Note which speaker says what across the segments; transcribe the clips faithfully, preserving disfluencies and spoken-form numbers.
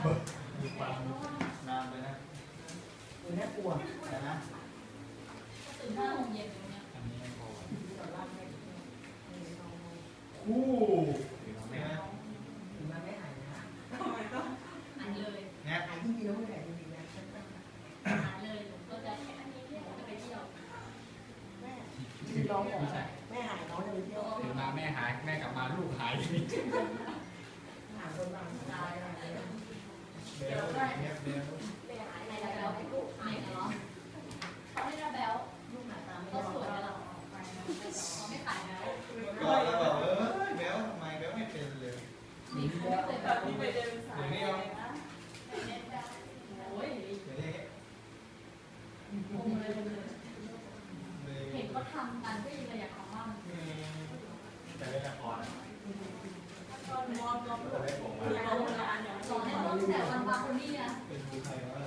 Speaker 1: มีความนานไปนะ
Speaker 2: หรือน่ากลัว
Speaker 1: แต่นะ
Speaker 3: ตื่นห้าโมงเย็นตรงเนี้ย
Speaker 1: อันนี้ไม่พอ
Speaker 4: คู่
Speaker 1: ถึงไม่นะ
Speaker 2: ถึงมันไม่หายนะ
Speaker 3: หายเลย
Speaker 1: แง่
Speaker 2: หายจริงๆแล้วไม่หายจริงๆนะ
Speaker 3: หายเลยหนูก็จะแข่งจะไปเที่ยว
Speaker 2: แม่ที่ร้องบอกแม่หายน้องจะไปเที่ยว
Speaker 4: ตื่นมาแม่หายแม่กลับมาลูกหาย
Speaker 2: หาคนบางตายอะไรเนี่ย
Speaker 1: เบลเงียบเบล
Speaker 3: ในระเบลให้ลูกหายเหรอเขาให้ระเบล
Speaker 2: ลูกหาตามไม่
Speaker 3: ก็
Speaker 2: ได้
Speaker 3: สวยแล้วเขาไม่ขายแล้ว
Speaker 1: ก่อนแล้วบอกเออเบลทำไมเบลไม่เป็นเลย
Speaker 3: นี่เขาไม่เคยแบบนี้ไปเดิน
Speaker 1: เดี๋ยวนี้เอา
Speaker 3: โอ้ย
Speaker 1: เดี๋ยวนี้
Speaker 3: งงเลยเห็นเขาทำกันก็ยังอยากทำบ้าง
Speaker 1: แต่เป็นละคร
Speaker 3: ตอนมองมอง
Speaker 1: จะได้ผมมา
Speaker 3: สอนให้ลูกแต่วันบางคนนี่นะ
Speaker 1: เป็นดูใครวะ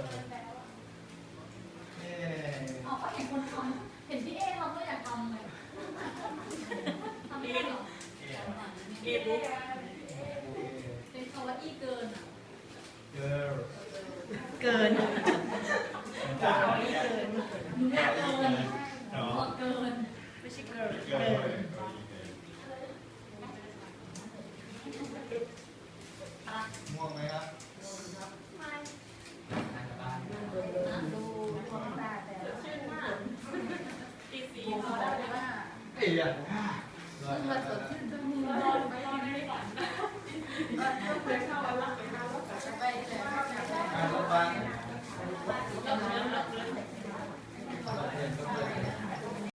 Speaker 1: เออ
Speaker 3: เอาก็เห็นคนทำเห็นพี่เอเราก็อยากทำเลยทำไม่ได้หรอเอบุ๊กเป็นคำว่าอีเกินอ่ะ
Speaker 1: เกิร์ล
Speaker 2: เกิน
Speaker 1: จ้า
Speaker 2: เกิน
Speaker 3: หนูอยากเกินพอเกิน
Speaker 2: ไม่ใช่เกิน
Speaker 1: เกิร์ล ม่วงไหมครับ
Speaker 3: ไม่
Speaker 2: ดู
Speaker 3: ความตาแต่ชื่นมากตีสีเขาได้ไหมว่า
Speaker 1: เอ้ยอ่ะ
Speaker 3: มันมาสดชื่นจมูกร้อนไม่ร้อนไม่ฝันต้องไปเข้าวันละไปหาว่าจะไปเลย